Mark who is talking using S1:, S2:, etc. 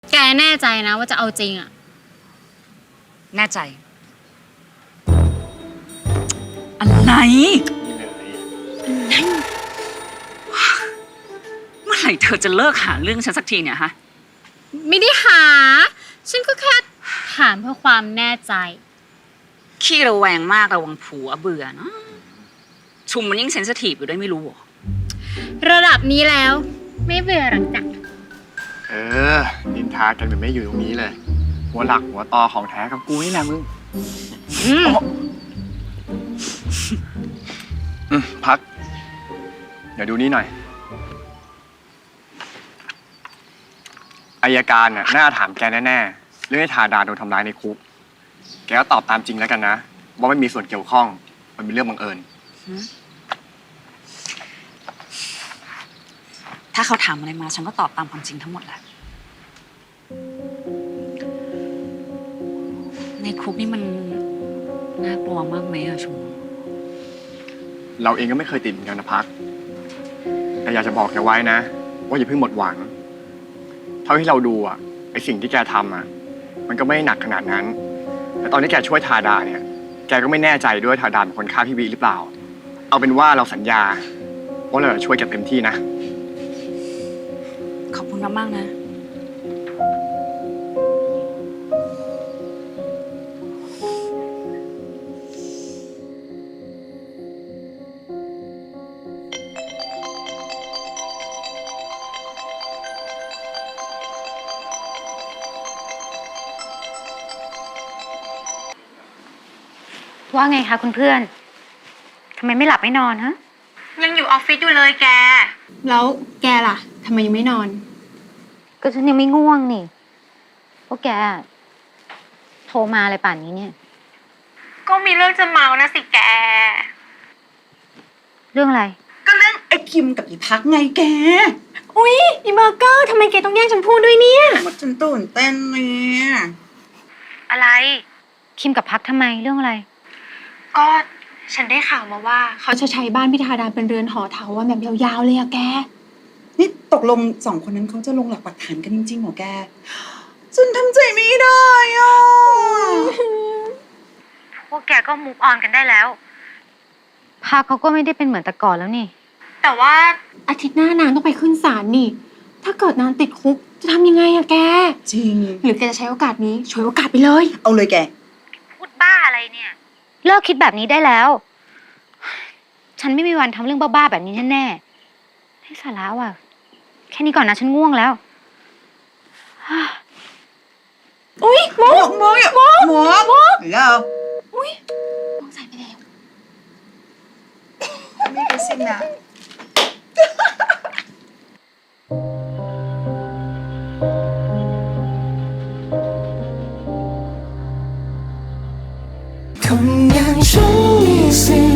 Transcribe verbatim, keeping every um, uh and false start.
S1: แกแน่ใจนะว่าจะเอาจริงอะ
S2: แน่ใจอะไรเมื่อไหร่เธอจะเลิกหาเรื่องฉันสักทีเนี่ยฮะ
S1: ไม่ได้หาฉันก็แค่ถามเพื่อความแน่ใจ
S2: ขี้ระแวงมากระวังผัวเบื่อเนาะชุมมันยิ่งเซนซิทีฟอยู่ด้วยไม่รู้หรอ
S1: ระดับนี้แล้วไม่เบื่อหรอกจ้ะ
S3: เออนินทากันแบบไม่อยู่ตรงนี้เลยหัวหลักหัวตอของแท้กับกูนี่แหละมึงอืมพักเดี๋ยวดูนี่หน่อยอายการน่ะน่าถามแกแน่ๆเรื่องให้ทาดาโดนทำร้ายในคุกแกก็ตอบตามจริงแล้วกันนะว่าไม่มีส่วนเกี่ยวข้องมันเป็นเรื่องบังเอิญ
S2: ถ้าเขาถามอะไรมาฉันก็ตอบตามความจริงทั้งหมดแหละในคุกนี่มันน่ากลัวมากไหมอะชุม
S3: เราเองก็ไม่เคยติดเหมือนกันนะพักแต่อยากจะบอกแกไว้นะว่าอย่าเพิ่งหมดหวังเท่าที่เราดูอ่ะไอสิ่งที่แกทำอ่ะมันก็ไม่หนักขนาดนั้นแต่ตอนที่แกช่วยทาดาเนี่ยแกก็ไม่แน่ใจด้วยทาดาเป็นคนฆ่าพี่วีหรือเปล่าเอาเป็นว่าเราสัญญาว่าเราจะช่วยแกเต็มที่นะ
S2: ขอบคุณมากๆนะ
S4: ว่าไงคะคุณเพื่อนทำไมไม่หลับไม่นอนฮะ
S5: ยังอยู่ออฟฟิศอยู่เลยแก
S1: แล้วแกล่ะทำไมยังไม่นอน
S4: ก็ฉันยังไม่ง่วงนี่พวกแกโทรมาอะไรป่านนี้เนี่ย
S5: ก็มีเรื่องจะเมานะสิแก
S4: เรื่องอะไร
S5: ก็เรื่องไอ้คิมกับอีพักไงแกอุ๊ยอีเบอร์เกอร์ทำไมแกต้องแย่งฉันพูดด้วยเนี่ยมันจนตื่นเต้นเนี่ย
S4: อะไรคิมกับพักทำไมเรื่องอะไร
S5: ก็ฉันได้ข่าวมาว่าเขาจะใช้บ้านพิธาดาเป็นเรือนหอเถาวันแบบยาวๆเลยอะแกนี่ตกลงสองคนนั้นเขาจะลงหลักปักฐานกันจริงๆเหรอแกฉันทำใจไม่ได้อ่ะ
S4: พวกแกก็มูฟออนกันได้แล้วพักเขาก็ไม่ได้เป็นเหมือนแต่ก่อนแล้วนี่
S5: แต่ว่าอาทิตย์หน้านางต้องไปขึ้นศาลนี่ถ้าเกิดนางติดคุกจะทำยังไงอะแกจริงหรือแกจะใช้โอกาสนี้ฉวยโอกาสไปเลยเอาเลยแก
S4: พูดบ้าอะไรเนี่ยเลิกคิดแบบนี้ได้แล้วฉันไม่มีวันทำเรื่องบ้าๆแบบนี้แน่ๆให้สาระว่ะแค่นี้ก่อนนะฉันง่วงแล้ว
S5: อุ๊ยมกมกมกมกมกแล้วอุ๊ยมกใส่ไปแล้วไม่กระซิบนะ
S6: คนอย่างฉันมีสิท